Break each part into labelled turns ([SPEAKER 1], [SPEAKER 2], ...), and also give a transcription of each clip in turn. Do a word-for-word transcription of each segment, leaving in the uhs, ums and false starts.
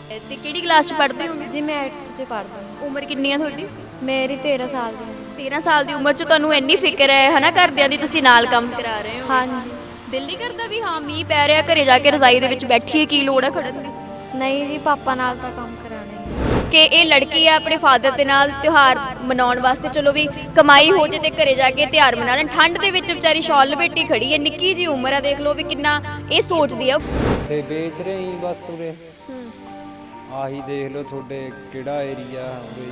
[SPEAKER 1] ਤੇ ਕਿਹੜੀ ਕਲਾਸ ਚ ਪੜ੍ਹਦੇ ਹੋ?
[SPEAKER 2] ਜੀ ਮੈਂ ਅੱਠ ਚ ਪੜ੍ਹਦੀ ਹਾਂ।
[SPEAKER 1] ਉਮਰ ਕਿੰਨੀ ਆ ਤੁਹਾਡੀ?
[SPEAKER 2] ਮੇਰੀ ਤੇਰਾਂ ਸਾਲ ਦੀ ਉਮਰ।
[SPEAKER 1] ਤੇਰਾਂ ਸਾਲ ਦੀ ਉਮਰ ਚ ਤੁਹਾਨੂੰ ਇੰਨੀ ਫਿਕਰ ਹੈ ਹਨਾ ਘਰਦਿਆਂ ਦੀ, ਤੁਸੀਂ ਨਾਲ ਕੰਮ ਕਰਾ ਰਹੇ ਹੋ।
[SPEAKER 2] ਹਾਂਜੀ।
[SPEAKER 1] ਦਿਲ ਨਹੀਂ ਕਰਦਾ ਵੀ ਹਾਂ ਮੀਂਹ ਪੈ ਰਿਹਾ ਘਰੇ ਜਾ ਕੇ ਰਜ਼ਾਈ ਦੇ ਵਿੱਚ ਬੈਠੀਏ, ਕੀ ਲੋੜ ਹੈ ਖੜਨ ਦੀ?
[SPEAKER 2] ਨਹੀਂ ਜੀ, ਪਾਪਾ ਨਾਲ ਤਾਂ ਕੰਮ ਕਰਾਉਣਾ ਹੀ
[SPEAKER 1] ਕਿ ਇਹ ਲੜਕੀ ਆ ਆਪਣੇ ਫਾਦਰ ਦੇ ਨਾਲ ਤਿਉਹਾਰ ਮਨਾਉਣ ਵਾਸਤੇ, ਚਲੋ ਵੀ ਕਮਾਈ ਹੋ ਜੇ ਤੇ ਘਰੇ ਜਾ ਕੇ ਤਿਉਹਾਰ ਮਨਾ ਲੈਣ। ਠੰਡ ਦੇ ਵਿੱਚ ਵਿਚਾਰੀ ਸ਼ਾਲ ਲਪੇਟੀ ਖੜੀ ਹੈ, ਨਿੱਕੀ ਜੀ ਉਮਰ ਆ, ਦੇਖ ਲਓ ਵੀ ਕਿੰਨਾ ਇਹ ਸੋਚਦੀ ਆ।
[SPEAKER 3] ਤੇ ਵੇਚ ਰਹੇ ਹੀ ਬਸ ਉਰੇ ਆਹੀ ਦੇਖ ਲਓ ਤੁਹਾਡੇ ਕਿਹੜਾ ਏਰੀਆ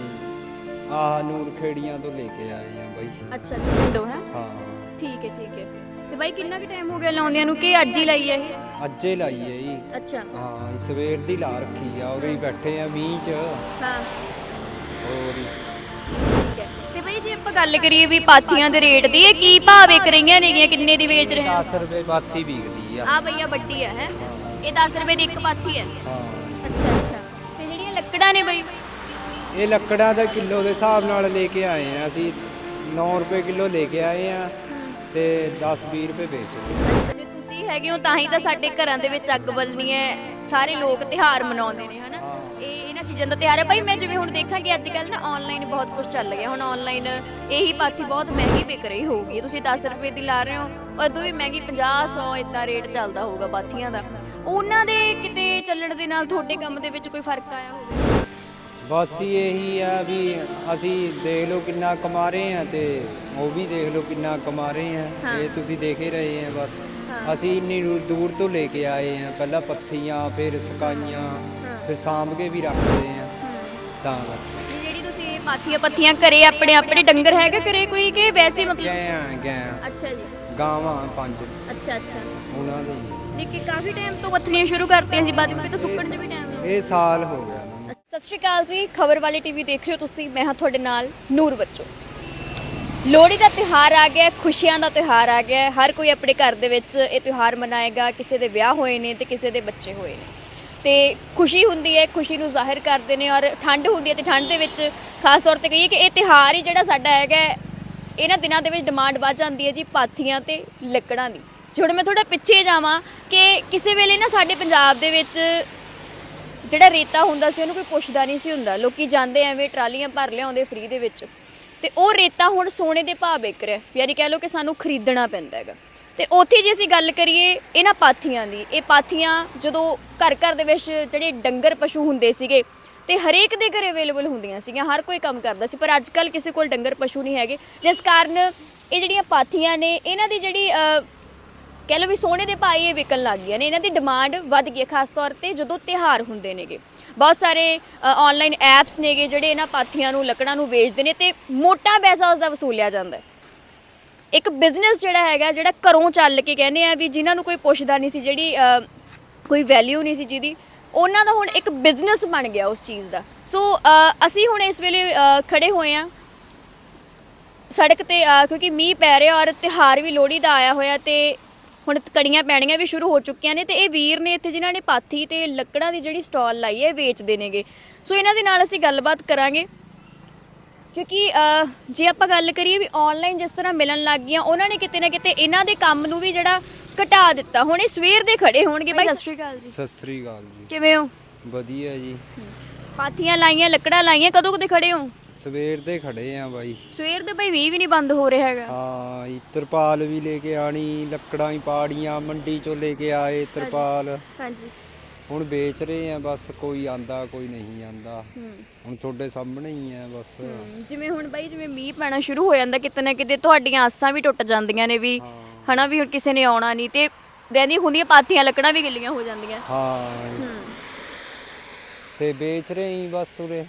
[SPEAKER 3] ਉਰੇ ਆਹ ਨੂਰ ਖੇੜੀਆਂ ਤੋਂ ਲੈ ਕੇ ਆਏ ਆ ਬਾਈ।
[SPEAKER 1] ਅੱਛਾ ਅੱਛਾ, ਪਿੰਡੋਂ ਹੈ?
[SPEAKER 3] ਹਾਂ
[SPEAKER 1] ਠੀਕ ਹੈ ਠੀਕ ਹੈ। ਤੇ ਬਾਈ ਕਿੰਨਾ ਕੁ ਟਾਈਮ ਹੋ ਗਿਆ ਲਾਉਂਦਿਆਂ ਨੂੰ ਕਿ ਅੱਜ ਹੀ ਲਾਈ ਹੈ ਇਹ?
[SPEAKER 3] ਅੱਜੇ ਲਾਈ ਹੈ ਜੀ।
[SPEAKER 1] ਅੱਛਾ
[SPEAKER 3] ਹਾਂ ਸਵੇਰ ਦੀ ਲਾ ਰੱਖੀ ਆ, ਉਰੇ ਹੀ ਬੈਠੇ ਆ ਮੀਂਹ ਚ।
[SPEAKER 1] ਹਾਂ
[SPEAKER 3] ਹੋਰ ਹੀ
[SPEAKER 1] ਠੀਕ ਹੈ। ਤੇ ਬਾਈ ਜੇ ਆਪਾਂ ਗੱਲ ਕਰੀਏ ਵੀ ਪਾਥੀਆਂ ਦੇ ਰੇਟ ਦੀ, ਇਹ ਕੀ ਭਾਅ ਵਿਕ ਰਹੀਆਂ ਨੇਗੀਆਂ, ਕਿੰਨੇ ਦੀ ਵੇਚ ਰਹੇ ਹੋ?
[SPEAKER 3] ਦਸ ਰੁਪਏ ਪਾਥੀ ਵਿਕਦੀ ਆ।
[SPEAKER 1] ਆ ਭਈਆ ਵੱਡੀ ਹੈ ਹੈ ਇਹ ਦਸ ਰੁਪਏ ਦੀ ਇੱਕ ਪਾਥੀ ਹੈ?
[SPEAKER 3] ਹਾਂ
[SPEAKER 1] ਅੱਛਾ ਅੱਛਾ। ਤੇ ਜਿਹੜੀਆਂ ਲੱਕੜਾਂ ਨੇ ਬਾਈ?
[SPEAKER 3] ਇਹ ਲੱਕੜਾਂ ਦਾ ਕਿਲੋ ਦੇ ਹਿਸਾਬ ਨਾਲ ਲੈ ਕੇ ਆਏ ਆ ਅਸੀਂ। ਨੌ ਰੁਪਏ ਕਿਲੋ ਲੈ ਕੇ ਆਏ ਆ ਤੇ ਦਸ ਵੀਹ ਰੁਪਏ ਵੇਚਦੇ।
[SPEAKER 1] ਅੱਛਾ, ਜੇ ਤੁਸੀਂ ਹੈਗੇ ਹੋ ਤਾਂ ਹੀ ਤਾਂ ਸਾਡੇ ਘਰਾਂ ਦੇ ਵਿੱਚ ਅੱਗ ਬਲਣੀ ਹੈ, ਸਾਰੇ ਲੋਕ ਤਿਉਹਾਰ ਮਨਾਉਂਦੇ ਨੇ ਹਨਾ। ਇਹ ਇਹਨਾਂ ਚੀਜ਼ਾਂ ਦਾ ਤਿਉਹਾਰ ਹੈ ਭਾਈ। ਮੈਂ ਜਿਵੇਂ ਹੁਣ ਦੇਖਾਂ ਕਿ ਅੱਜ ਕੱਲ੍ਹ ਨਾ ਆਨਲਾਈਨ ਬਹੁਤ ਕੁਝ ਚੱਲ ਗਿਆ, ਹੁਣ ਆਨਲਾਈਨ ਇਹੀ ਪਾਥੀ ਬਹੁਤ ਮਹਿੰਗੀ ਵਿਕ ਰਹੀ ਹੋਊਗੀ। ਤੁਸੀਂ ਦਸ ਰੁਪਏ ਦੀ ਲਾ ਰਹੇ ਹੋ, ਉਦੋਂ ਵੀ ਮਹਿੰਗੀ ਪੰਜਾਹ ਸੌ ਇਦਾਂ ਰੇਟ ਚੱਲਦਾ ਹੋਊਗਾ ਪਾਥੀਆਂ ਦਾ। ਉਹਨਾਂ ਦੇ ਕਿਤੇ ਚੱਲਣ ਦੇ ਨਾਲ ਤੁਹਾਡੇ ਕੰਮ ਦੇ ਵਿੱਚ ਕੋਈ ਫਰਕ ਆਇਆ ਹੋਵੇ?
[SPEAKER 3] ਬਸ ਹੀ ਇਹੀ ਆ ਵੀ ਅਸੀਂ ਦੇਖ ਲਓ ਕਿੰਨਾ ਕਮਾ ਰਹੇ ਆ ਤੇ ਉਹ ਵੀ ਦੇਖ ਲਓ ਕਿੰਨਾ ਕਮਾ ਰਹੇ ਆ। ਇਹ ਤੁਸੀਂ ਦੇਖ ਹੀ ਰਹੇ ਆ। ਬਸ ਅਸੀਂ ਇੰਨੀ ਦੂਰ ਦੂਰ ਤੋਂ ਲੈ ਕੇ ਆਏ ਆ, ਪਹਿਲਾਂ ਪੱਥੀਆਂ ਫਿਰ ਸਕਾਈਆਂ ਫਿਰ ਸਾਂਭ ਕੇ ਵੀ ਰੱਖਦੇ ਆ ਤਾਂ ਕਰਕੇ।
[SPEAKER 1] ਜਿਹੜੀ ਤੁਸੀਂ ਪਾਥੀਆਂ ਪੱਥੀਆਂ ਘਰੇ ਆਪਣੇ ਆਪਣੇ ਡੰਗਰ ਹੈਗਾ ਘਰੇ ਕੋਈ ਕਿ ਵੈਸੇ ਮਤਲਬ?
[SPEAKER 3] ਗਏ ਆ ਗਏ ਆ
[SPEAKER 1] ਅੱਛਾ ਜੀ।
[SPEAKER 3] ਗਾਵਾਂ ਪੰਜ
[SPEAKER 1] ਅੱਛਾ ਅੱਛਾ।
[SPEAKER 3] ਉਹਨਾਂ ਦੇ
[SPEAKER 1] ਨਿੱਕੀ ਕਾਫੀ ਟਾਈਮ ਤੋਂ ਪੱਥਣੀਆਂ ਸ਼ੁਰੂ ਕਰਤੀਆਂ ਸੀ, ਬਾਅਦ ਵਿੱਚ ਤਾਂ ਸੁੱਕਣ 'ਚ ਵੀ ਟਾਈਮ ਲੱਗਦਾ।
[SPEAKER 3] ਇਹ ਸਾਲ ਹੋ ਗਿਆ।
[SPEAKER 1] ਸਤਿ ਸ਼੍ਰੀ ਅਕਾਲ ਜੀ, ਖਬਰ ਵਾਲੀ ਟੀਵੀ ਦੇਖ ਰਹੇ ਹੋ ਤੁਸੀਂ। ਮੈਂ ਹਾਂ ਤੁਹਾਡੇ ਨਾਲ ਨੂਰ ਬੱਚੋ। ਲੋਹੜੀ ਦਾ ਤਿਉਹਾਰ ਆ ਗਿਆ, ਖੁਸ਼ੀਆਂ ਦਾ ਤਿਉਹਾਰ ਆ ਗਿਆ। ਹਰ ਕੋਈ ਆਪਣੇ ਘਰ ਦੇ ਵਿੱਚ ਇਹ ਤਿਉਹਾਰ ਮਨਾਏਗਾ। ਕਿਸੇ ਦੇ ਵਿਆਹ ਹੋਏ ਨੇ ਤੇ ਕਿਸੇ ਦੇ ਬੱਚੇ ਹੋਏ ਨੇ ਤੇ ਖੁਸ਼ੀ ਹੁੰਦੀ ਹੈ, ਖੁਸ਼ੀ ਨੂੰ ਜ਼ਾਹਿਰ ਕਰਦੇ ਨੇ। ਔਰ ਠੰਡ ਹੁੰਦੀ ਹੈ ਤੇ ਠੰਡ ਦੇ ਵਿੱਚ ਖਾਸ ਤੌਰ ਤੇ ਕਹੀਏ ਕਿ ਇਹ ਤਿਉਹਾਰ ਹੀ ਜਿਹੜਾ ਸਾਡਾ ਹੈਗਾ, ਇਹਨਾਂ ਦਿਨਾਂ ਦੇ ਵਿੱਚ ਡਿਮਾਂਡ ਵੱਧ ਜਾਂਦੀ ਹੈ ਜੀ ਪਾਥੀਆਂ ਤੇ ਲੱਕੜਾਂ ਦੀ। ਹੁਣ ਮੈਂ ਥੋੜਾ ਪਿੱਛੇ ਜਾਵਾਂ ਕਿ ਕਿਸੇ ਵੇਲੇ ਨਾ ਸਾਡੇ ਪੰਜਾਬ ਦੇ ਵਿੱਚ ਜਿਹੜਾ ਰੇਤਾ ਹੁੰਦਾ ਸੀ ਉਹਨੂੰ ਕੋਈ ਪੁੱਛਦਾ ਨਹੀਂ ਸੀ ਹੁੰਦਾ। ਲੋਕੀ ਜਾਂਦੇ ਐਵੇਂ ਟਰਾਲੀਆਂ ਭਰ ਲਿਆਉਂਦੇ ਫ੍ਰੀ ਦੇ ਵਿੱਚ, ਤੇ ਉਹ ਰੇਤਾ ਹੁਣ ਸੋਨੇ ਦੇ ਭਾਅ ਵਿਕ ਰਿਹਾ, ਯਾਨੀ ਕਹਿ ਲਓ ਕਿ ਸਾਨੂੰ ਖਰੀਦਣਾ ਪੈਂਦਾ ਹੈਗਾ। ਤੇ ਉੱਥੇ ਜੇ ਅਸੀਂ ਗੱਲ ਕਰੀਏ ਇਹਨਾਂ ਪਾਥੀਆਂ ਦੀ, ਇਹ ਪਾਥੀਆਂ ਜਦੋਂ ਘਰ ਘਰ ਦੇ ਵਿੱਚ ਜਿਹੜੇ ਡੰਗਰ ਪਸ਼ੂ ਹੁੰਦੇ ਸੀਗੇ ਤੇ ਹਰੇਕ ਦੇ ਘਰੇ ਅਵੇਲੇਬਲ ਹੁੰਦੀਆਂ ਸੀਗੀਆਂ, ਹਰ ਕੋਈ ਕੰਮ ਕਰਦਾ ਸੀ। ਪਰ ਅੱਜ ਕੱਲ੍ਹ ਕਿਸੇ ਕੋਲ ਡੰਗਰ ਪਸ਼ੂ ਨਹੀਂ ਹੈਗੇ, ਜਿਸ ਕਾਰਨ ਇਹ ਜਿਹੜੀਆਂ ਪਾਥੀਆਂ ਨੇ ਇਹਨਾਂ ਦੀ ਜਿਹੜੀ ਕਹਿ ਲਓ ਵੀ ਸੋਨੇ ਦੇ ਭਾਅ ਇਹ ਵਿਕਣ ਲੱਗ ਗਈਆਂ ਨੇ। ਇਹਨਾਂ ਦੀ ਡਿਮਾਂਡ ਵੱਧ ਗਈ ਹੈ, ਖਾਸ ਤੌਰ ਤੇ ਜਦੋਂ ਤਿਉਹਾਰ ਹੁੰਦੇ ਨੇਗੇ। ਬਹੁਤ ਸਾਰੇ ਆਨਲਾਈਨ ਐਪਸ ਨੇਗੇ ਜਿਹੜੇ ਇਹਨਾਂ ਪਾਥੀਆਂ ਨੂੰ ਲੱਕੜਾਂ ਨੂੰ ਵੇਚਦੇ ਨੇ ਤੇ ਮੋਟਾ ਪੈਸਾ ਉਸਦਾ ਵਸੂਲਿਆ ਜਾਂਦਾ ਹੈ। ਇੱਕ ਬਿਜ਼ਨਸ ਜਿਹੜਾ ਹੈਗਾ, ਜਿਹੜਾ ਘਰੋਂ ਚੱਲ ਕੇ ਕਹਿੰਦੇ ਆ ਵੀ ਜਿਨ੍ਹਾਂ ਨੂੰ ਕੋਈ ਪੁੱਛਦਾ ਨਹੀਂ ਸੀ, ਜਿਹੜੀ ਕੋਈ ਵੈਲਿਊ ਨਹੀਂ ਸੀ ਜਿਹਦੀ, ਉਹਨਾਂ ਦਾ ਹੁਣ ਇੱਕ ਬਿਜ਼ਨਸ ਬਣ ਗਿਆ ਉਸ ਚੀਜ਼ ਦਾ। ਸੋ ਅਸੀਂ ਹੁਣ ਇਸ ਵੇਲੇ ਖੜੇ ਹੋਏ ਹਾਂ ਸੜਕ ਤੇ, ਕਿਉਂਕਿ ਮੀਂਹ ਪੈ ਰਿਹਾ ਔਰ ਤਿਉਹਾਰ ਵੀ ਲੋਹੜੀ ਦਾ ਆਇਆ ਹੋਇਆ ਤੇ ਹੁਣ ਕੜੀਆਂ ਪੈਣੀਆਂ ਵੀ ਸ਼ੁਰੂ ਹੋ ਚੁੱਕੀਆਂ ਨੇ। ਤੇ ਇਹ ਵੀਰ ਨੇ ਇੱਥੇ ਜਿਨ੍ਹਾਂ ਨੇ ਪਾਥੀ ਤੇ ਲੱਕੜਾਂ ਦੀ ਜਿਹੜੀ ਸਟਾਲ ਲਾਈ ਹੈ ਵੇਚਦੇ ਨੇਗੇ। ਸੋ ਇਹਨਾਂ ਦੇ ਨਾਲ ਅਸੀਂ ਗੱਲਬਾਤ ਕਰਾਂਗੇ, ਕਿਉਂਕਿ ਜੇ ਆਪਾਂ ਗੱਲ ਕਰੀਏ ਵੀ ਆਨਲਾਈਨ ਜਿਸ ਤਰ੍ਹਾਂ ਮਿਲਣ ਲੱਗ ਗਈਆਂ, ਉਹਨਾਂ ਨੇ ਕਿਤੇ ਨਾ ਕਿਤੇ ਇਹਨਾਂ ਦੇ ਕੰਮ ਨੂੰ ਵੀ ਜਿਹੜਾ ਘਟਾ ਦਿੱਤਾ। ਹੁਣ ਇਹ ਸਵੇਰ ਦੇ ਖੜੇ ਹੋਣਗੇ। ਬਾਈ ਸਤਿ ਸ਼੍ਰੀ ਅਕਾਲ ਜੀ।
[SPEAKER 3] ਸਤਿ ਸ੍ਰੀ ਅਕਾਲ ਜੀ।
[SPEAKER 1] ਕਿਵੇਂ ਹੋ?
[SPEAKER 3] ਵਧੀਆ ਜੀ।
[SPEAKER 1] ਪਾਥੀਆਂ ਲਾਈਆਂ, ਲੱਕੜਾਂ ਲਾਈਆਂ, ਕਦੋਂ ਕਦੇ ਖੜੇ ਹੋ?
[SPEAKER 3] ਸਵੇਰ ਦੇ ਖੜੇ ਆ ਬਾਈ।
[SPEAKER 1] ਸਵੇਰ ਦੇ ਬਾਈ ਮੀਂਹ ਵੀ ਨਹੀਂ ਬੰਦ ਹੋ ਰਿਹਾ ਹੈਗਾ।
[SPEAKER 3] ਹਾਂ ਤਰਪਾਲ ਵੀ ਲੈ ਕੇ ਆਣੀ, ਲੱਕੜਾਂ ਹੀ ਪਾੜੀਆਂ, ਮੰਡੀ ਚੋਂ ਲੈ ਕੇ ਆਏ ਤਰਪਾਲ।
[SPEAKER 1] ਹਾਂਜੀ।
[SPEAKER 3] ਹੁਣ ਵੇਚ ਰਹੇ ਆ, ਬਸ ਕੋਈ ਆਂਦਾ ਕੋਈ ਨਹੀਂ ਆਂਦਾ। ਹੁਣ ਤੁਹਾਡੇ ਸਾਹਮਣੇ ਹੀ ਆ ਬਸ।
[SPEAKER 1] ਜਿਵੇਂ ਹੁਣ ਬਾਈ ਜਿਵੇਂ ਮੀਂਹ ਪੈਣਾ ਸ਼ੁਰੂ ਹੋ ਜਾਂਦਾ, ਕਿਤੇ ਨਾ ਕਿਤੇ ਤੁਹਾਡੀਆਂ ਆਸਾਂ ਵੀ ਟੁੱਟ ਜਾਂਦੀਆਂ ਨੇ ਵੀ ਹਨਾ ਵੀ ਹੁਣ ਕਿਸੇ ਨੇ ਆਉਣਾ ਨਹੀਂ, ਤੇ ਰਹਿੰਦੀਆਂ ਹੁੰਦੀਆਂ ਪਾਥੀਆਂ ਲੱਕੜਾਂ ਵੀ ਗਿੱਲੀਆਂ ਹੋ ਜਾਂਦੀਆਂ।
[SPEAKER 3] ਹਾਂ ਤੇ ਵੇਚ ਰਹੇ ਹੀ ਬਸ ਉਰੇ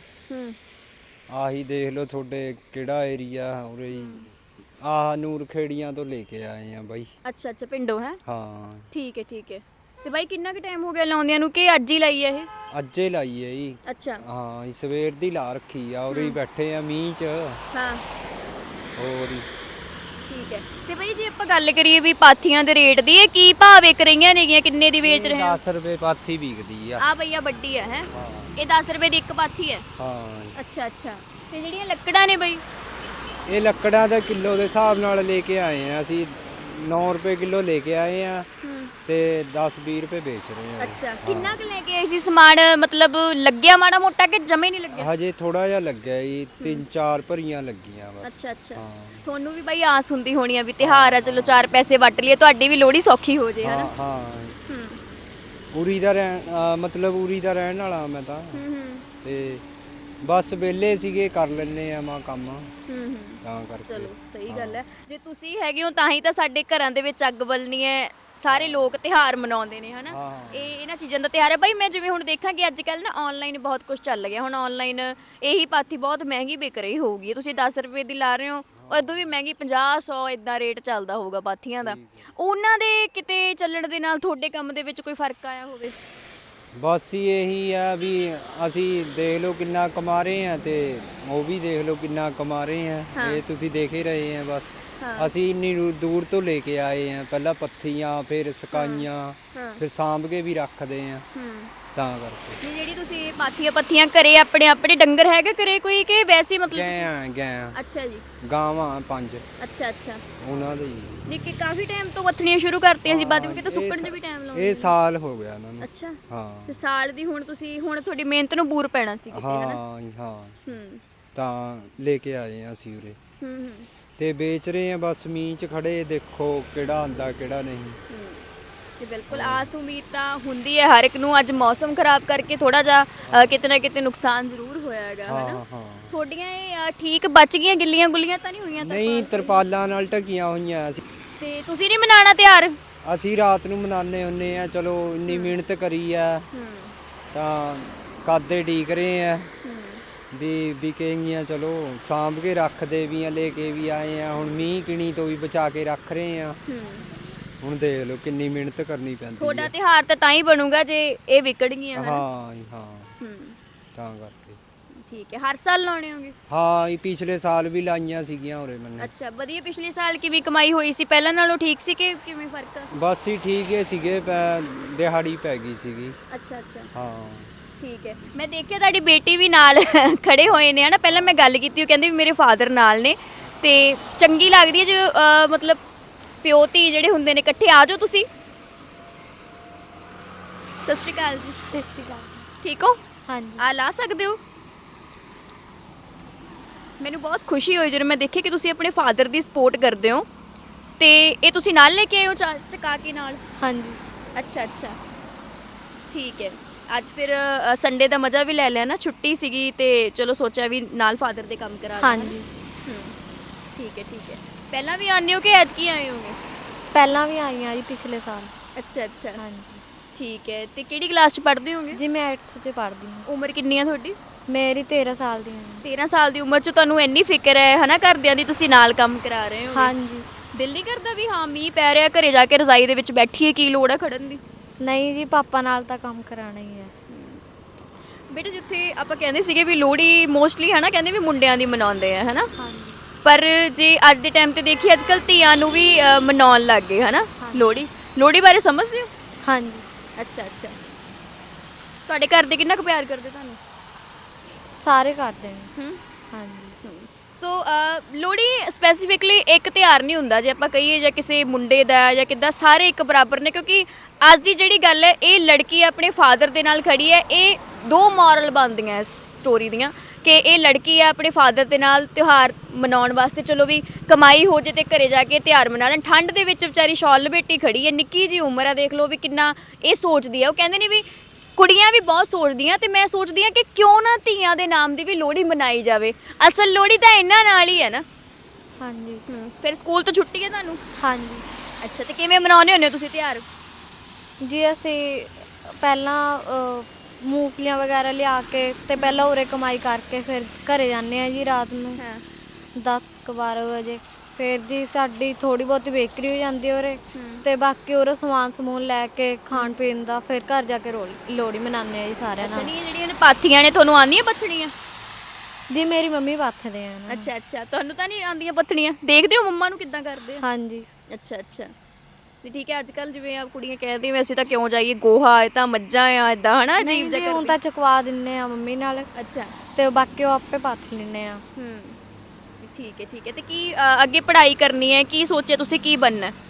[SPEAKER 3] ਆਹੀ ਦੇਖ ਲਓ ਤੁਹਾਡੇ ਕਿਹੜਾ ਏਰੀਆ ਉਰੇ ਹੀ ਆਹ ਨੂਰ ਖੇੜੀਆਂ ਤੋਂ ਲੈ ਕੇ ਆਏ ਆ ਬਾਈ।
[SPEAKER 1] ਅੱਛਾ ਅੱਛਾ, ਪਿੰਡੋਂ ਹੈ?
[SPEAKER 3] ਹਾਂ
[SPEAKER 1] ਠੀਕ ਹੈ ਠੀਕ ਹੈ। ਤੇ ਬਾਈ ਕਿੰਨਾ ਕੁ ਟਾਈਮ ਹੋ ਗਿਆ ਲਾਉਂਦਿਆਂ ਨੂੰ ਕਿ ਅੱਜ ਹੀ ਲਾਈ ਹੈ ਇਹ?
[SPEAKER 3] ਅੱਜੇ ਲਾਈ ਹੈ ਜੀ।
[SPEAKER 1] ਅੱਛਾ
[SPEAKER 3] ਹਾਂ ਸਵੇਰ ਦੀ ਲਾ ਰੱਖੀ ਆ, ਉਰੇ ਹੀ ਬੈਠੇ ਆ ਮੀਂਹ ਚ।
[SPEAKER 1] ਹਾਂ
[SPEAKER 3] ਹੋਰ ਹੀ
[SPEAKER 1] ਠੀਕ ਹੈ। ਤੇ ਬਾਈ ਜੇ ਆਪਾਂ ਗੱਲ ਕਰੀਏ ਵੀ ਪਾਥੀਆਂ ਦੇ ਰੇਟ ਦੀ, ਇਹ ਕੀ ਭਾਅ ਵਿਕ ਰਹੀਆਂ ਨੇਗੀਆਂ, ਕਿੰਨੇ ਦੀ ਵੇਚ ਰਹੇ ਹੋ?
[SPEAKER 3] ਦਸ ਰੁਪਏ ਪਾਥੀ ਵਿਕਦੀ ਆ।
[SPEAKER 1] ਆ ਭਈਆ ਵੱਡੀ ਹੈ ਹੈ ਇਹ ਦਸ ਰੁਪਏ ਦੀ ਇੱਕ ਪਾਥੀ ਹੈ?
[SPEAKER 3] ਹਾਂ।
[SPEAKER 1] ਅੱਛਾ ਅੱਛਾ। ਤੇ ਜਿਹੜੀਆਂ ਲੱਕੜਾਂ ਨੇ ਬਾਈ?
[SPEAKER 3] ਇਹ ਲੱਕੜਾਂ ਦਾ ਕਿਲੋ ਦੇ ਹਿਸਾਬ ਨਾਲ ਲੈ ਕੇ ਆਏ ਆ ਅਸੀਂ। ਨੌ ਰੁਪਏ ਕਿਲੋ ਲੈ ਕੇ ਆਏ ਆ ਤੇ ਦਸ ਵੀਹ ਰੁਪਏ ਵੇਚ ਰਹੇ ਆ ਜੀ।
[SPEAKER 1] ਅੱਛਾ
[SPEAKER 3] ਹਾਂ।
[SPEAKER 1] ਕਿੰਨਾ ਕੁ ਲੈ ਕੇ ਆਏ ਸੀ ਸਮਾਨ ਮਤਲਬ ਲੱਗਿਆ ਮਾੜਾ ਮੋਟਾ ਕਿ ਜਮੇ ਨਹੀਂ ਲੱਗਿਆ?
[SPEAKER 3] ਹਜੇ ਥੋੜਾ ਜਿਹਾ ਲੱਗਿਆ ਜੀ, ਤਿੰਨ ਚਾਰ ਭਰੀਆਂ ਲੱਗੀਆਂ ਬਸ।
[SPEAKER 1] ਅੱਛਾ ਅੱਛਾ
[SPEAKER 3] ਹਾਂ
[SPEAKER 1] ਤੁਹਾਨੂੰ ਵੀ ਬਾਈ ਆਸ ਹੁੰਦੀ ਹੋਣੀ ਆ ਵੀ ਤਿਹਾਰ ਆ, ਚਲੋ ਚਾਰ ਪੈਸੇ ਵੱਟ ਲਈਏ, ਤੁਹਾਡੀ ਵੀ ਲੋਹੜੀ ਸੌਖੀ ਹੋ ਜੇ
[SPEAKER 3] ਹਾਂ
[SPEAKER 1] ਹਨਾ।
[SPEAKER 3] ਹਾਂ
[SPEAKER 1] ਹੂੰ
[SPEAKER 3] ਉਰੀ ਦਾ ਰਹਿਣ ਅਹ ਮਤਲਬ ਉਰੀ ਦਾ ਰਹਿਣ ਵਾਲਾ ਮੈਂ ਤਾਂ,
[SPEAKER 1] ਹੂੰ ਹੂੰ
[SPEAKER 3] ਤੇ ਬਸ ਵਿਹਲੇ ਸੀਗੇ ਕਰ ਲੈਨੇ ਆ ਮਾਂ ਕੰਮ,
[SPEAKER 1] ਹੂੰ ਹੂੰ
[SPEAKER 3] ਤਾਂ ਕਰਕੇ।
[SPEAKER 1] ਚਲੋ ਸਹੀ
[SPEAKER 3] ਹਾਂ।
[SPEAKER 1] ਗੱਲ ਹੈ, ਜੇ ਤੁਸੀਂ ਹੈਗੇ ਹੋ ਤਾਂ ਹੀ ਤਾਂ ਸਾਡੇ ਘਰਾਂ ਦੇ ਵਿੱਚ ਅੱਗ ਬਲਣੀ ਹੈ, ਸਾਰੇ ਲੋਕ ਤਿਹਾਰ ਮਨਾਉਂਦੇ ਨੇ ਹਨਾ।
[SPEAKER 3] ਹਾਂ।
[SPEAKER 1] ਇਹ ਇਹਨਾਂ ਚੀਜ਼ਾਂ ਦਾ ਤਿਹਾਰ ਹੈ ਬਾਈ। ਮੈਂ ਜਿਵੇਂ ਹੁਣ ਦੇਖਾਂ ਕਿ ਅੱਜ ਕੱਲ ਨਾ ਆਨਲਾਈਨ ਬਹੁਤ ਕੁਝ ਚੱਲ ਗਿਆ, ਹੁਣ ਆਨਲਾਈਨ ਇਹੀ ਪਾਥੀ ਬਹੁਤ ਮਹਿੰਗੀ ਵਿਕ ਰਹੀ ਹੋਊਗੀ, ਤੁਸੀਂ ਦਸ ਰੁਪਏ ਦੀ ਲਾ ਰਹੇ ਹੋ, ਉਦੋਂ ਵੀ ਮਹਿੰਗੀ ਪੰਜਾਹ ਸੌ ਇਦਾਂ ਰੇਟ ਚੱਲਦਾ ਹੋਊਗਾ ਪਾਥੀਆਂ ਦਾ। ਉਹਨਾਂ ਦੇ ਕਿਤੇ ਚੱਲਣ ਦੇ ਨਾਲ ਤੁਹਾਡੇ ਕੰਮ ਦੇ ਵਿੱਚ ਕੋਈ ਫਰਕ ਆਇਆ ਹੋਵੇ?
[SPEAKER 3] ਬਸ ਹੀ ਇਹੀ ਆ ਵੀ ਅਸੀਂ ਦੇਖ ਲਓ ਕਿੰਨਾ ਕਮਾ ਰਹੇ ਆ ਤੇ ਉਹ ਵੀ ਦੇਖ ਲਓ ਕਿੰਨਾ ਕਮਾ ਰਹੇ ਆ,
[SPEAKER 1] ਹਾਂ।
[SPEAKER 3] ਇਹ ਤੁਸੀਂ ਦੇਖ ਹੀ ਰਹੇ ਆ ਬਸ।
[SPEAKER 1] ਹਾਂ।
[SPEAKER 3] ਅਸੀਂ ਇੰਨੀ ਦੂ- ਦੂਰ ਤੋਂ ਲੈ ਕੇ ਆਏ ਆ, ਪਹਿਲਾਂ ਪੱਥੀਆਂ ਫਿਰ ਸਕਾਈਆਂ
[SPEAKER 1] ਹਾਂ
[SPEAKER 3] ਫਿਰ ਸਾਂਭ ਕੇ ਵੀ ਰੱਖਦੇ ਆ,
[SPEAKER 1] ਹੂੰ
[SPEAKER 3] ਤਾਂ ਕਰਕੇ।
[SPEAKER 1] ਨਹੀਂ ਜਿਹੜੀ ਤੁਸੀਂ ਪਾਥੀਆਂ ਪੱਥੀਆਂ ਘਰੇ ਆਪਣੇ ਆਪਣੇ ਡੰਗਰ ਹੈਗੇ ਘਰੇ ਕੋਈ ਕਿ ਵੈਸੇ ਹੀ ਮਤਲਬ?
[SPEAKER 3] ਗਏ ਆ ਗਏ ਆ
[SPEAKER 1] ਅੱਛਾ ਜੀ।
[SPEAKER 3] ਗਾਵਾਂ ਪੰਜ
[SPEAKER 1] ਅੱਛਾ ਅੱਛਾ
[SPEAKER 3] ਉਹਨਾਂ ਦੇ ਹੀ।
[SPEAKER 1] ਨਿੱਕੀ ਕਾਫੀ ਟਾਈਮ ਤੋਂ ਵੱਥਣੀਆਂ ਸ਼ੁਰੂ ਕਰਤੀਆਂ ਸੀ, ਬਾਅਦ ਵਿੱਚ ਤਾਂ
[SPEAKER 3] ਇਹ
[SPEAKER 1] ਸੁੱਕਣ 'ਚ
[SPEAKER 3] ਸਾ-
[SPEAKER 1] ਵੀ ਟਾਈਮ ਲਾਉਂਦੇ
[SPEAKER 3] ਇਹ ਸਾਲ ਹੋ ਗਿਆ ਉਹਨਾਂ ਨੂੰ।
[SPEAKER 1] ਅੱਛਾ
[SPEAKER 3] ਹਾਂ
[SPEAKER 1] ਤੇ ਸਾਲ ਦੀ ਹੁਣ ਤੁਸੀਂ ਹੁਣ ਤੁਹਾਡੀ ਮਿਹਨਤ ਨੂੰ ਬੂਰ ਪੈਣਾ ਸੀ ਕਿਤੇ ਹਨਾ।
[SPEAKER 3] ਹਾਂ ਜੀ, ਹਾਂ
[SPEAKER 1] ਹੂੰ
[SPEAKER 3] ਤਾਂ ਲੈ ਕੇ ਆਏ ਆ ਅਸੀਂ ਉਰੇ
[SPEAKER 1] ਹੂੰ ਹੂੰ
[SPEAKER 3] ਤੇ ਵੇਚ ਰਹੇ ਆ ਬਸ। ਮੀਂਹ 'ਚ ਖੜੇ ਦੇਖੋ ਕਿਹੜਾ ਆਂਦਾ ਕਿਹੜਾ ਨਹੀਂ।
[SPEAKER 1] ਹੂੰ। ਤੇ ਬਿਲਕੁਲ ਆਸ ਉਮੀਦ ਤਾਂ ਹੁੰਦੀ ਹੈ ਹਰ ਇੱਕ ਨੂੰ। ਅੱਜ ਮੌਸਮ ਖਰਾਬ ਕਰਕੇ ਥੋੜਾ ਜਿਹਾ ਅ, ਕਿਤੇ ਨਾ ਕਿਤੇ ਨੁਕਸਾਨ ਜ਼ਰੂਰ ਹੋਇਆ ਹੈਗਾ
[SPEAKER 3] ਹਾਂ
[SPEAKER 1] ਹਨਾ।
[SPEAKER 3] ਹਾਂ
[SPEAKER 1] ਤੁਹਾਡੀਆਂ ਇਹ ਅ, ਠੀਕ ਬਚ ਗਈਆਂ, ਗਿੱਲੀਆਂ ਗੁੱਲੀਆਂ ਤਾਂ ਨਹੀਂ ਹੋਈਆਂ?
[SPEAKER 3] ਨਹੀਂ,
[SPEAKER 1] ਤਰਪਾਲ?
[SPEAKER 3] ਤਰਪਾਲਾਂ ਨਾਲ ਢਕੀਆਂ ਹੋਈਆਂ ਅਸੀਂ।
[SPEAKER 1] ਤੇ ਤੁਸੀਂ ਨਹੀਂ ਮਨਾਣਾ ਤਿਉਹਾਰ?
[SPEAKER 3] ਅਸੀਂ ਰਾਤ ਨੂੰ ਮਨਾਉਂਦੇ ਹੁੰਨੇ ਆ, ਚਲੋ ਇੰਨੀ ਮਿਹਨਤ ਕਰੀ ਆ
[SPEAKER 1] ਹੂੰ
[SPEAKER 3] ਤਾਂ ਕਾਦੇ ਢੀਕ ਰਹੇ ਆ
[SPEAKER 1] ਹੂੰ
[SPEAKER 3] ਵੀ ਵਿਕੇਗੀਆਂ, ਚਲੋ ਸਾਂਭ ਕੇ ਰੱਖਦੇ ਵੀ ਆ, ਲੈ ਕੇ ਵੀ ਆਏ ਆ। ਹੁਣ ਮੀਂਹ ਕਿਣੀ ਤੋਂ ਵੀ ਬਚਾ ਕੇ ਰੱਖ ਰਹੇ ਆ।
[SPEAKER 1] ਹੂੰ
[SPEAKER 3] ਹੁਣ ਦੇਖ ਲਓ ਕਿੰਨੀ ਮਿਹਨਤ ਕਰਨੀ ਪੈਂਦੀ
[SPEAKER 1] ਤੁਹਾਡਾ
[SPEAKER 3] ਹੈ।
[SPEAKER 1] ਤਿਉਹਾਰ ਤਾਂ ਤਾਂ ਹੀ ਬਣੂਗਾ ਜੇ ਇਹ ਵਿਕਣਗੀਆਂ ਹਨਾ।
[SPEAKER 3] ਹਾਂ ਜੀ, ਹਾਂ
[SPEAKER 1] ਹੂੰ
[SPEAKER 3] ਤਾਂ ਕਰਕੇ।
[SPEAKER 1] ਠੀਕ ਹੈ। ਹਰ ਸਾਲ ਲਾਉਣੇ ਹੋਗੇ?
[SPEAKER 3] ਹਾਂ ਇਹ ਪਿਛਲੇ ਸਾਲ ਵੀ ਲਾਈਆਂ ਸੀਗੀਆਂ ਉਰੇ ਮੈਨੂੰ।
[SPEAKER 1] ਅੱਛਾ ਵਧੀਆ। ਪਿਛਲੇ ਸਾਲ ਕਿਵੇਂ ਕਮਾਈ ਹੋਈ ਸੀ? ਪਹਿਲਾਂ ਨਾਲੋਂ ਠੀਕ ਸੀ ਕਿ ਕਿਵੇਂ ਫਰਕ ਆ?
[SPEAKER 3] ਬਸ ਹੀ ਠੀਕ ਹੀ ਸੀਗੇ, ਪੈ- ਦਿਹਾੜੀ ਪੈ ਗਈ ਸੀਗੀ।
[SPEAKER 1] ਅੱਛਾ ਅੱਛਾ
[SPEAKER 3] ਹਾਂ
[SPEAKER 1] ਠੀਕ ਹੈ। ਮੈਂ ਦੇਖਿਆ ਤੁਹਾਡੀ ਬੇਟੀ ਵੀ ਨਾਲ ਖੜੇ ਹੋਏ ਨੇ ਹਨਾ। ਪਹਿਲਾਂ ਮੈਂ ਗੱਲ ਕੀਤੀ, ਉਹ ਕਹਿੰਦੇ ਵੀ ਮੇਰੇ ਫਾਦਰ ਨਾਲ ਨੇ, ਤੇ ਚੰਗੀ ਲੱਗਦੀ ਹੈ ਜੋ ਅ, ਮਤਲਬ ਪਿਓ ਧੀ ਜਿਹੜੇ ਹੁੰਦੇ ਨੇ ਇਕੱਠੇ। ਆ ਜਾਓ ਤੁਸੀਂ। ਸਤਿ ਸ਼੍ਰੀ ਅਕਾਲ ਜੀ।
[SPEAKER 2] ਸਤਿ ਸ਼੍ਰੀ ਅਕਾਲ।
[SPEAKER 1] ਠੀਕ ਹੋ?
[SPEAKER 2] ਹਾਂਜੀ
[SPEAKER 1] ਆ ਲਾ ਸਕਦੇ ਹੋ? ਮੈਨੂੰ ਬਹੁਤ ਖੁਸ਼ੀ ਹੋਈ ਜਦੋਂ ਮੈਂ ਦੇਖਿਆ ਕਿ ਤੁਸੀਂ ਆਪਣੇ ਫਾਦਰ ਦੀ ਸਪੋਰਟ ਕਰਦੇ ਹੋ। ਤੇ ਇਹ ਤੁਸੀਂ ਨਾਲ ਲੈ ਕੇ ਆਏ ਹੋ ਚਾ- ਚਕਾ ਕੇ ਨਾਲ?
[SPEAKER 2] ਹਾਂਜੀ
[SPEAKER 1] ਅੱਛਾ ਅੱਛਾ ਠੀਕ ਹੈ। ਅੱਜ ਫਿਰ ਸੰਡੇ ਦਾ ਮਜ਼ਾ ਵੀ ਲੈ ਲਿਆ ਨਾ, ਛੁੱਟੀ ਸੀਗੀ ਤੇ ਚਲੋ ਸੋਚਿਆ ਵੀ ਨਾਲ ਫਾਦਰ ਦੇ ਕੰਮ ਕਰਾ ਦਿਓ,
[SPEAKER 2] ਹਾਂਜੀ
[SPEAKER 1] ਹਨਾ? ਹੂੰ ਠੀਕ ਹੈ ਠੀਕ ਹੈ। ਪਹਿਲਾਂ ਵੀ ਆਉਂਦੇ ਹੋ ਕਿ ਐਤਕੀ ਆਏ ਹੋਗੇ?
[SPEAKER 2] ਪਹਿਲਾਂ ਵੀ ਆਈ ਹਾਂ ਜੀ ਪਿਛਲੇ ਸਾਲ।
[SPEAKER 1] ਅੱਛਾ ਅੱਛਾ
[SPEAKER 2] ਹਾਂਜੀ
[SPEAKER 1] ਠੀਕ ਹੈ। ਤੇ ਕਿਹੜੀ ਕਲਾਸ 'ਚ ਪੜ੍ਹਦੇ ਹੋਗੇ?
[SPEAKER 2] ਜੀ ਮੈਂ ਅੱਠ 'ਚ ਪੜ੍ਹਦੀ ਹਾਂ।
[SPEAKER 1] ਉਮਰ ਕਿੰਨੀ ਆ ਤੁਹਾਡੀ?
[SPEAKER 2] ਮੇਰੀ ਤੇਰਾਂ ਸਾਲ ਦੀ ਹੈ।
[SPEAKER 1] ਤੇਰਾਂ ਸਾਲ ਦੀ ਉਮਰ 'ਚ ਤੁਹਾਨੂੰ ਇੰਨੀ ਫਿਕਰ ਹੈ ਹਨਾ ਘਰਦਿਆਂ ਦੀ, ਤੁਸੀਂ ਨਾਲ ਕੰਮ ਕਰਾ ਰਹੇ ਹੋ?
[SPEAKER 2] ਹਾਂਜੀ
[SPEAKER 1] ਦਿਲ ਨਹੀਂ ਕਰਦਾ ਵੀ ਹਾਂ ਮੀਂਹ ਪੈ ਰਿਹਾ, ਘਰੇ ਜਾ ਕੇ ਰਜ਼ਾਈ ਦੇ ਵਿੱਚ ਬੈਠੀਏ, ਕੀ ਲੋੜ ਹੈ ਖੜਨ ਦੀ?
[SPEAKER 2] ਨਹੀਂ ਜੀ, ਪਾਪਾ ਨਾਲ ਤਾਂ ਕੰਮ ਕਰਾਉਣਾ ਹੀ ਹੈ।
[SPEAKER 1] ਬੇਟਾ ਜਿੱਥੇ ਆਪਾਂ ਕਹਿੰਦੇ ਸੀਗੇ ਵੀ ਲੋਹੜੀ ਮੋਸਟਲੀ ਹਨਾ ਕਹਿੰਦੇ ਵੀ ਮੁੰਡਿਆਂ ਦੀ ਮਨਾਉਂਦੇ ਆ ਹਨਾ,
[SPEAKER 2] ਹਾਂਜੀ
[SPEAKER 1] ਪਰ ਜੇ ਅੱਜ ਦੇ ਟਾਈਮ ਤੇ ਦੇਖੀਏ ਅੱਜ ਕੱਲ ਧੀਆਂ ਨੂੰ ਵੀ ਅ, ਮਨਾਉਣ ਲੱਗ ਗਏ ਹਨਾ ਲੋਹੜੀ। ਲੋਹੜੀ ਬਾਰੇ ਸਮਝਦੇ ਹੋ?
[SPEAKER 2] ਹਾਂਜੀ
[SPEAKER 1] ਅੱਛਾ ਅੱਛਾ ਤੁਹਾਡੇ ਘਰ ਦੇ ਕਿੰਨਾ ਕੁ ਪਿਆਰ ਕਰਦੇ ਤੁਹਾਨੂੰ?
[SPEAKER 2] ਸਾਰੇ ਕਰਦੇ ਨੇ।
[SPEAKER 1] ਹੂੰ
[SPEAKER 2] ਹਾਂਜੀ
[SPEAKER 1] ਸੋ ਲੋਹੜੀ ਸਪੈਸੀਫਿਕਲੀ ਇੱਕ ਤਿਉਹਾਰ ਨਹੀਂ ਹੁੰਦਾ, ਜੇ ਆਪਾਂ ਕਹੀਏ ਜਾਂ ਕਿਸੇ ਮੁੰਡੇ ਦਾ ਜਾਂ ਕਿੱਦਾਂ, ਸਾਰੇ ਇੱਕ ਬਰਾਬਰ ਨੇ। ਕਿਉਂਕਿ ਅੱਜ ਦੀ ਜਿਹੜੀ ਗੱਲ ਹੈ, ਇਹ ਲੜਕੀ ਆਪਣੇ ਫਾਦਰ ਦੇ ਨਾਲ ਖੜੀ ਹੈ। ਇਹ ਦੋ ਮੋਰਲ ਬਣਦੀਆਂ ਇਸ ਸਟੋਰੀ ਦੀਆਂ ਕਿ ਇਹ ਲੜਕੀ ਹੈ ਆਪਣੇ ਫਾਦਰ ਦੇ ਨਾਲ ਤਿਉਹਾਰ ਮਨਾਉਣ ਵਾਸਤੇ, ਚਲੋ ਵੀ ਕਮਾਈ ਹੋ ਜੇ ਤੇ ਘਰੇ ਜਾ ਕੇ ਤਿਉਹਾਰ ਮਨਾ ਲੈਣ। ਠੰਡ ਦੇ ਵਿੱਚ ਵਿਚਾਰੀ ਸ਼ਾਲ ਲਪੇਟੀ ਖੜੀ ਹੈ, ਨਿੱਕੀ ਜੀ ਉਮਰ ਹੈ, ਦੇਖ ਲਓ ਵੀ ਕਿੰਨਾ ਇਹ ਸੋਚਦੀ ਹੈ। ਉਹ ਕਹਿੰਦੇ ਨੇ ਵੀ ਕੁੜੀਆਂ ਵੀ ਬਹੁਤ ਸੋਚਦੀਆਂ, ਤੇ ਮੈਂ ਸੋਚਦੀ ਹਾਂ ਕਿ ਕਿਉਂ ਨਾ ਧੀਆਂ ਦੇ ਨਾਮ ਦੀ ਵੀ ਲੋਹੜੀ ਮਨਾਈ ਜਾਵੇ। ਅਸਲ ਲੋਹੜੀ ਤਾਂ ਇਹਨਾਂ ਨਾਲ ਹੀ ਹੈ ਨਾ।
[SPEAKER 2] ਹਾਂਜੀ
[SPEAKER 1] ਫਿਰ ਸਕੂਲ ਤੋਂ ਛੁੱਟੀ ਹੈ ਤੁਹਾਨੂੰ?
[SPEAKER 2] ਹਾਂਜੀ
[SPEAKER 1] ਅੱਛਾ ਤੇ ਕਿਵੇਂ ਮਨਾਉਂਦੇ ਹੁੰਦੇ ਹੋ ਤੁਸੀਂ ਤਿਉਹਾਰ?
[SPEAKER 2] ਜੀ ਅਸੀਂ ਪਹਿਲਾਂ ਅ, ਮੂੰਗਫਲੀਆਂ ਵਗੈਰਾ ਲਿਆ ਕੇ ਤੇ ਪਹਿਲਾਂ ਉਰੇ ਕਮਾਈ ਕਰਕੇ ਫਿਰ ਘਰੇ ਜਾਂਦੇ ਆ ਜੀ ਰਾਤ ਨੂੰ
[SPEAKER 1] ਹਾਂ
[SPEAKER 2] ਦਸ ਕੁ ਬਾਰਾਂ ਵਜੇ। ਫਿਰ ਜੀ ਸਾਡੀ ਥੋੜੀ ਬਹੁਤੀ ਬੇਕਰੀ ਹੋ ਜਾਂਦੀ ਹੈ ਉਰੇ,
[SPEAKER 1] ਹੂੰ।
[SPEAKER 2] ਤੇ ਬਾਕੀ ਉਰੇ ਸਮਾਨ ਸਮੂਨ ਲੈ ਕੇ ਖਾਣ ਪੀਣ ਦਾ ਫਿਰ ਘਰ ਜਾ ਕੇ ਰੋਲ ਲੋਹੜੀ ਮਨਾਉਂਦੇ ਆ ਜੀ ਸਾਰਿਆਂ
[SPEAKER 1] ਅੱਛਾ
[SPEAKER 2] ਨਾਲ।
[SPEAKER 1] ਨਹੀਂ ਜਿਹੜੀਆਂ ਨੇ ਪਾਥੀਆਂ ਨੇ ਤੁਹਾਨੂੰ ਆਉਂਦੀਆਂ ਪੱਥਣੀਆਂ?
[SPEAKER 2] ਜੀ ਮੇਰੀ ਮੰਮੀ ਪਾਥਦੇ ਆ ਨਾ।
[SPEAKER 1] ਅੱਛਾ ਅੱਛਾ ਤੁਹਾਨੂੰ ਤਾਂ ਨਹੀਂ ਆਉਂਦੀਆਂ ਪੱਥਣੀਆਂ? ਦੇਖਦੇ ਹੋ ਮੰਮਾ ਨੂੰ ਕਿੱਦਾਂ ਕਰਦੇ ਆ?
[SPEAKER 2] ਹਾਂਜੀ
[SPEAKER 1] ਅੱਛਾ ਅੱਛਾ ਤੇ ਠੀਕ ਹੈ। ਅੱਜ ਕੱਲ ਜਿਵੇਂ ਆ ਕੁੜੀਆਂ ਕਹਿੰਦੀਆਂ ਵੀ ਅਸੀਂ ਤਾਂ ਕਿਉਂ ਜਾਈਏ, ਗੋਹਾ ਇਹ ਤਾਂ ਮੱਝਾਂ ਆ, ਇਦਾਂ ਹਨਾ ਅਜੀਬ
[SPEAKER 2] ਨਹੀਂ ਜੀ,
[SPEAKER 1] ਜਿਹਾ
[SPEAKER 2] ਹੁਣ
[SPEAKER 1] ਕਰਦੇ।
[SPEAKER 2] ਤਾਂ ਚੁਕਵਾ ਦਿੰਨੇ ਆ ਮੰਮੀ ਨਾਲ,
[SPEAKER 1] ਅੱਛਾ
[SPEAKER 2] ਤੇ ਬਾਕੀ ਉਹ ਆਪੇ ਪਾਥ ਲੈਂਦੇ ਆ।
[SPEAKER 1] ਹੂੰ ਠੀਕ ਹੈ ਠੀਕ ਹੈ। ਤੇ ਕੀ ਅ, ਅੱਗੇ ਪੜ੍ਹਾਈ ਕਰਨੀ ਹੈ? ਕੀ ਸੋਚਿਆ ਤੁਸੀਂ ਕੀ ਬਣਨਾ?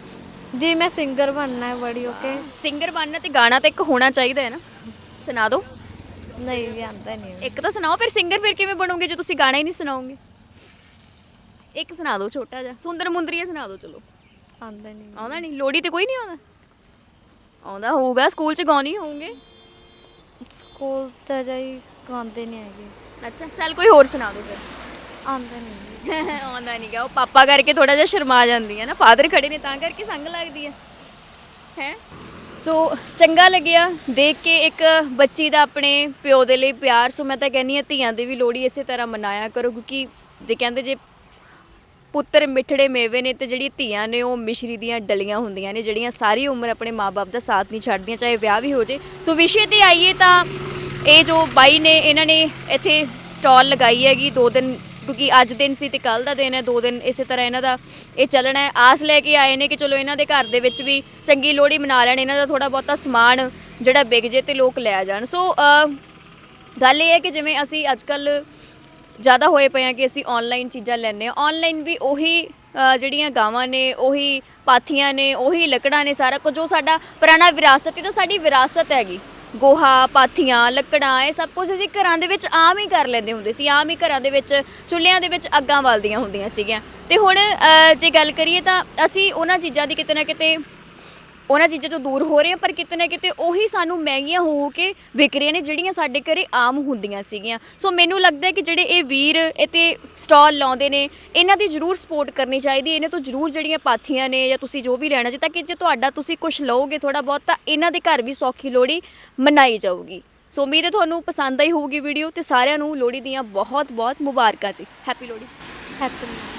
[SPEAKER 2] ਜੀ ਮੈਂ ਸਿੰਗਰ ਬਣਨਾ ਹੈ ਬੜੀ ਓਕੇ।
[SPEAKER 1] ਸਿੰਗਰ ਬਣਨਾ ਤੇ ਗਾਣਾ ਤਾਂ ਇੱਕ ਹੋਣਾ ਚਾਹੀਦਾ ਹੈ ਨਾ, ਸੁਣਾ ਦਿਓ
[SPEAKER 2] ਨਹੀਂ ਜੀ ਆਉਂਦਾ ਨਹੀਂ।
[SPEAKER 1] ਇੱਕ ਤਾਂ ਸੁਣਾਓ। ਫਿਰ ਸਿੰਗਰ ਫਿਰ ਕਿਵੇਂ ਬਣੋਗੇ ਜੇ ਤੁਸੀਂ ਗਾਣਾ ਹੀ ਨਹੀਂ ਸੁਣਾਓਗੇ? ਇੱਕ ਸੁਣਾ ਦਿਓ ਛੋਟਾ ਜਿਹਾ, ਸੁੰਦਰ ਮੁੰਦਰੀਆ ਸੁਣਾ ਦਿਓ। ਚਲੋ
[SPEAKER 2] ਆਉਂਦਾ ਨਹੀਂ।
[SPEAKER 1] ਆਉਂਦਾ ਨਹੀਂ? ਲੋੜੀ ਤੇ ਕੋਈ ਨਹੀਂ ਆਉਂਦਾ? ਆਉਂਦਾ ਹੋਊਗਾ, ਸਕੂਲ 'ਚ ਗਾਉਂਦੇ ਹੋਵੋਗੇ।
[SPEAKER 2] ਸਕੂਲ ਤੇ ਜਾਈ ਗਾਉਂਦੇ ਨਹੀਂ ਹੈਗੇ।
[SPEAKER 1] ਅੱਛਾ ਚੱਲ ਕੋਈ ਹੋਰ ਸੁਣਾ ਦਿਓ ਫਿਰ।
[SPEAKER 2] ਆਉਂਦਾ ਨਹੀਂ।
[SPEAKER 1] ਆਉਂਦਾ ਨਹੀਂ ਗਾ, ਉਹ ਪਾਪਾ ਕਰਕੇ ਥੋੜਾ ਜਿਹਾ ਸ਼ਰਮਾ ਜਾਂਦੀ ਹੈ ਨਾ, ਫਾਦਰ ਖੜੇ ਨੇ ਤਾਂ ਕਰਕੇ ਸੰਗ ਲੱਗਦੀ ਹੈ ਹੈ ਸੋ ਚੰਗਾ ਲੱਗਿਆ ਦੇਖ ਕੇ ਇੱਕ ਬੱਚੀ ਦਾ ਆਪਣੇ ਪਿਓ ਦੇ ਲਈ ਪਿਆਰ। ਸੋ ਮੈਂ ਤਾਂ ਕਹਿੰਦੀ ਹਾਂ ਧੀਆਂ ਦੀ ਵੀ ਲੋਹੜੀ ਇਸੇ ਤਰ੍ਹਾਂ ਮਨਾਇਆ ਕਰੋ, ਕਿਉਂਕਿ ਜੇ ਕਹਿੰਦੇ ਜੇ ਪੁੱਤਰ ਮਿੱਠੜੇ ਮੇਵੇ ਨੇ ਤੇ ਜਿਹੜੀ ਧੀਆਂ ਨੇ ਉਹ ਮਿਸ਼ਰੀ ਦੀਆਂ ਡਲੀਆਂ ਹੁੰਦੀਆਂ ਨੇ, ਜਿਹੜੀਆਂ ਸਾਰੀ ਉਮਰ ਆਪਣੇ ਮਾਪੇ ਦਾ ਸਾਥ ਨਹੀਂ ਛੱਡਦੀਆਂ, ਚਾਹੇ ਵਿਆਹ ਵੀ ਹੋ ਜੇ। ਸੋ ਵਿਸ਼ੇ ਤੇ ਆਈਏ ਤਾਂ ਇਹ ਜੋ ਬਾਈ ਨੇ ਇਹਨਾਂ ਨੇ ਇੱਥੇ ਸਟਾਲ ਲਗਾਈ ਹੈਗੀ ਦੋ ਦਿਨ, ਕਿਉਂਕਿ ਅੱਜ ਦਿਨ ਸੀ ਤੇ ਕੱਲ ਦਾ ਦਿਨ ਹੈ, ਦੋ ਦਿਨ ਇਸੇ ਤਰ੍ਹਾਂ ਇਹਨਾਂ ਦਾ ਇਹ ਚੱਲਣਾ ਹੈ। ਆਸ ਲੈ ਕੇ ਆਏ ਨੇ ਕਿ ਚਲੋ ਇਹਨਾਂ ਦੇ ਘਰ ਦੇ ਵਿੱਚ ਵੀ ਚੰਗੀ ਲੋਹੜੀ ਮਨਾ ਲੈਣ, ਇਹਨਾਂ ਦਾ ਥੋੜਾ ਬਹੁਤਾ ਸਮਾਨ ਜਿਹੜਾ ਵਿਕ ਜੇ ਤੇ ਲੋਕ ਲੈ ਜਾਣ। ਸੋ ਗੱਲ ਇਹ ਹੈ ਕਿ ਜਿਵੇਂ ਅਸੀਂ ਅੱਜ ਕੱਲ੍ਹ ਜ਼ਿਆਦਾ ਹੋਏ ਪਏ ਹਾਂ ਕਿ ਅਸੀਂ ਔਨਲਾਈਨ ਚੀਜ਼ਾਂ ਲੈਂਦੇ ਹਾਂ, ਔਨਲਾਈਨ ਵੀ ਉਹੀ ਜਿਹੜੀਆਂ ਗਾਵਾਂ ਨੇ, ਉਹੀ ਪਾਥੀਆਂ ਨੇ, ਉਹੀ ਲੱਕੜਾਂ ਨੇ, ਸਾਰਾ ਕੁਝ ਜੋ ਸਾਡਾ ਪੁਰਾਣਾ ਵਿਰਾਸਤ, ਇਹ ਤਾਂ ਸਾਡੀ ਵਿਰਾਸਤ ਹੈਗੀ। ਗੋਹਾ, ਪਾਥੀਆਂ, ਲੱਕੜਾਂ, ਇਹ ਸਭ ਕੁਝ ਅਸੀਂ ਘਰਾਂ ਦੇ ਵਿੱਚ ਆਮ ਹੀ ਕਰ ਲੈਂਦੇ ਹੁੰਦੇ ਸੀ। ਆਮ ਹੀ ਘਰਾਂ ਦੇ ਵਿੱਚ ਚੁੱਲ੍ਹਿਆਂ ਦੇ ਵਿੱਚ ਅੱਗਾਂ ਬਲਦੀਆਂ ਹੁੰਦੀਆਂ ਸੀਗੀਆਂ। ਤੇ ਹੁਣ ਜੇ ਗੱਲ ਕਰੀਏ ਤਾਂ ਅਸੀਂ ਉਹਨਾਂ ਚੀਜ਼ਾਂ ਦੀ ਕਿਤੇ ਨਾ ਕਿਤੇ ਉਹਨਾਂ ਚੀਜ਼ਾਂ ਤੋਂ ਦੂਰ ਹੋ ਰਹੇ ਹਾਂ, ਪਰ ਕਿਤੇ ਨਾ ਕਿਤੇ ਉਹੀ ਸਾਨੂੰ ਮਹਿੰਗੀਆਂ ਹੋ ਕੇ ਵਿਕ ਰਹੀਆਂ ਨੇ ਜਿਹੜੀਆਂ ਸਾਡੇ ਘਰੇ ਆਮ ਹੁੰਦੀਆਂ ਸੀਗੀਆਂ। ਸੋ ਮੈਨੂੰ ਲੱਗਦਾ ਕਿ ਜਿਹੜੇ ਇਹ ਵੀਰ ਇੱਥੇ ਸਟਾਲ ਲਾਉਂਦੇ ਨੇ ਇਹਨਾਂ ਦੀ ਜ਼ਰੂਰ ਸਪੋਰਟ ਕਰਨੀ ਚਾਹੀਦੀ। ਇਹਨਾਂ ਤੋਂ ਜ਼ਰੂਰ ਜਿਹੜੀਆਂ ਪਾਥੀਆਂ ਨੇ ਜਾਂ ਤੁਸੀਂ ਜੋ ਵੀ ਲੈਣਾ ਚਾਹੀਦਾ, ਕਿ ਜੇ ਤੁਹਾਡਾ ਤੁਸੀਂ ਕੁਝ ਲਓਗੇ ਥੋੜ੍ਹਾ ਬਹੁਤ, ਤਾਂ ਇਹਨਾਂ ਦੇ ਘਰ ਵੀ ਸੌਖੀ ਲੋਹੜੀ ਮਨਾਈ ਜਾਊਗੀ। ਸੋ ਉਮੀਦ ਹੈ ਤੁਹਾਨੂੰ ਪਸੰਦ ਆਈ ਹੋਊਗੀ ਵੀਡੀਓ, ਤੇ ਸਾਰਿਆਂ ਨੂੰ ਲੋਹੜੀ ਦੀਆਂ ਬਹੁਤ ਬਹੁਤ ਮੁਬਾਰਕਾਂ ਜੀ। ਹੈਪੀ ਲੋਹੜੀ।
[SPEAKER 2] ਹੈਪੀ